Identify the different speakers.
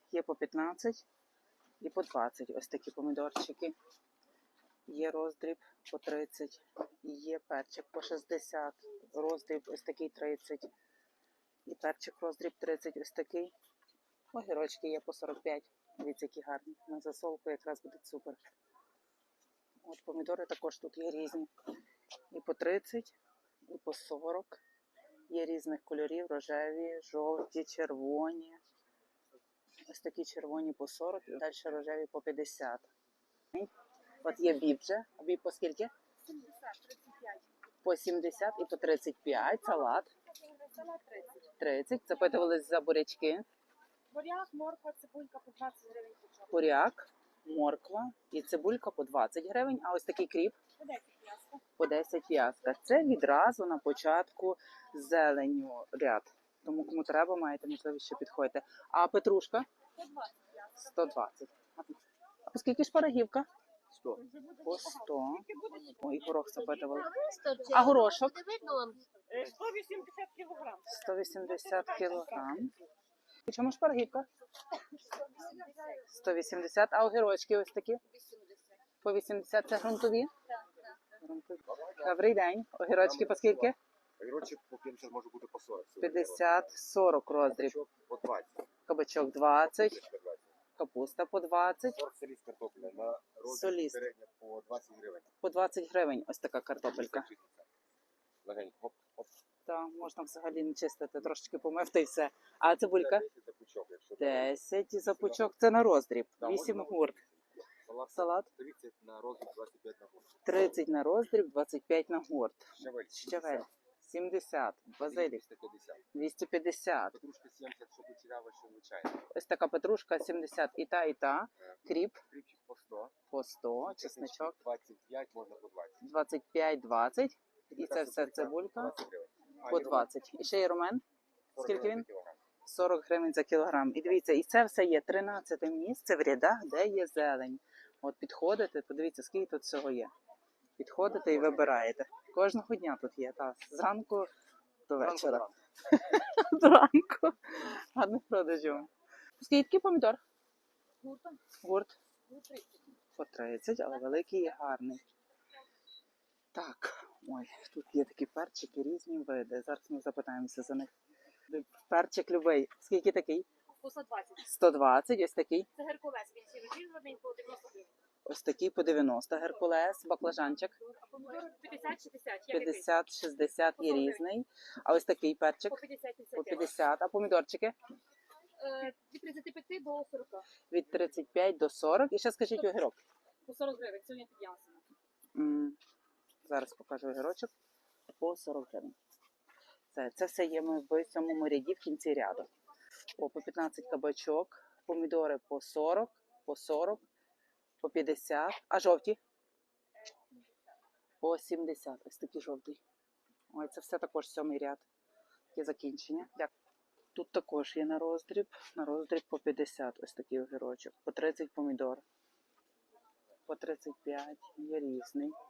Speaker 1: Є по 15 і по 20. Ось такі помідорчики. Є роздріб по 30. Є перчик по 60. Роздріб ось такий 30. І перчик роздріб 30 ось такий. Огірочки є по 45. Дивіться, які гарні. На засолку якраз буде супер. От помідори також тут є різні. І по 30, і по 40. Є різних кольорів, рожеві, жовті, червоні. Ось такі червоні по 40 і далі рожеві по 50. От є біб вже. А біб по скільки?
Speaker 2: 70, 35.
Speaker 1: По 70 і по 35. Салат.
Speaker 2: Салат 30.
Speaker 1: 30. Запитувались за бурячки.
Speaker 2: Буряк, морква, цибулька по 20 гривень пучок.
Speaker 1: Буряк, морква і цибулька по 20 гривень. А ось такий кріп
Speaker 2: По 10 м'ясо.
Speaker 1: по 10 в'язка. Це відразу на початку зеленю ряд. Тому кому треба, маєте можливість ще підходити. А петрушка?
Speaker 2: 120 м'ясо.
Speaker 1: 120. А по скільки шпарагівка?
Speaker 3: 100.
Speaker 1: По 100.
Speaker 2: Буде
Speaker 1: Ой, горох запитували.
Speaker 4: А
Speaker 1: А горошок?
Speaker 2: 180 кілограм.
Speaker 1: 180 кілограм. І чому шпарагівка? 180. А огірочки ось такі? По 80. Це грунтові? Грунтові. Добрий день. Огірочки по скільки?
Speaker 3: Огірочок по 50 може бути по 40.
Speaker 1: 50, 40 роздріб.
Speaker 3: Кабачок по 20.
Speaker 1: Кабачок 20,
Speaker 3: Капусточка 20.
Speaker 1: капуста по 20,
Speaker 3: Сорт соліст картопля на розмір
Speaker 1: Соліст.
Speaker 3: середня по 20 гривень.
Speaker 1: по 20 гривень ось така картопелька.
Speaker 3: Легенько. Хоп, хоп.
Speaker 1: Та можна взагалі не чистити, трошечки помити і все. А цибулька?
Speaker 3: 10 за пучок, якщо
Speaker 1: 10 за пучок, це на роздріб.
Speaker 3: Да,
Speaker 1: 8
Speaker 3: можна
Speaker 1: гурт.
Speaker 3: Салат
Speaker 1: Салат
Speaker 3: 30 на розмір, 25 на гурт.
Speaker 1: 30 на роздріб, 25 на гурт.
Speaker 3: Щавель.
Speaker 1: Щавель 70, базилік
Speaker 3: 350.
Speaker 1: 250.
Speaker 3: Петрушка 70, щоб кучерява, що звичайно.
Speaker 1: Ось така петрушка 70 і та, і та. Кріп
Speaker 3: Кріпчик по 100.
Speaker 1: по 100, чесничок
Speaker 3: 25, можна по 20.
Speaker 1: 25, 20. І це все цибулька
Speaker 3: 20 гривень.
Speaker 1: по 20. І ще є румен.
Speaker 3: 40
Speaker 1: Скільки
Speaker 3: гривень
Speaker 1: він?
Speaker 3: за кілограм.
Speaker 1: 40 гривень за кілограм. І дивіться, і це все є 13 місце в рядах, де є зелень. От підходите, подивіться, скільки тут всього є. Підходите і вибираєте. Кожного дня тут є, так. Зранку до вечора. Зранку. Гарних продажів. Скільки помідор?
Speaker 2: Гуртом.
Speaker 1: Гурт
Speaker 2: 30.
Speaker 1: по 30, але великий і гарний. Так, ой, тут є такі перчики, різні види. Зараз ми запитаємося за них. Перчик любий. Скільки такий?
Speaker 2: По 120.
Speaker 1: 120, ось такий.
Speaker 2: Це Геркулес, він сівий зроблений по 90 гривень.
Speaker 1: Ось такий по 90. Геркулес, баклажанчик.
Speaker 2: А помідори 50-60. Я
Speaker 1: 50-60 є різний. А ось такий перчик
Speaker 2: По 50-55.
Speaker 1: по 50. А помідорчики
Speaker 2: Від 35 до 40.
Speaker 1: від 35 до 40. І ще скажіть огірок.
Speaker 2: По 40 гривень. Сьогодні піднялося.
Speaker 1: Зараз покажу огірочок. По 40 гривень. Це все є ми в цьому ряді в кінці ряду. По 15 кабачок, помідори по 40, по 40, по 50. А жовті? По 70. Ось такий жовтий. Ой, це все також 7-й ряд. Є закінчення. Дякую. Тут також є на роздріб по 50 ось такий огірочок, по 30 помідор, по 35 є різний.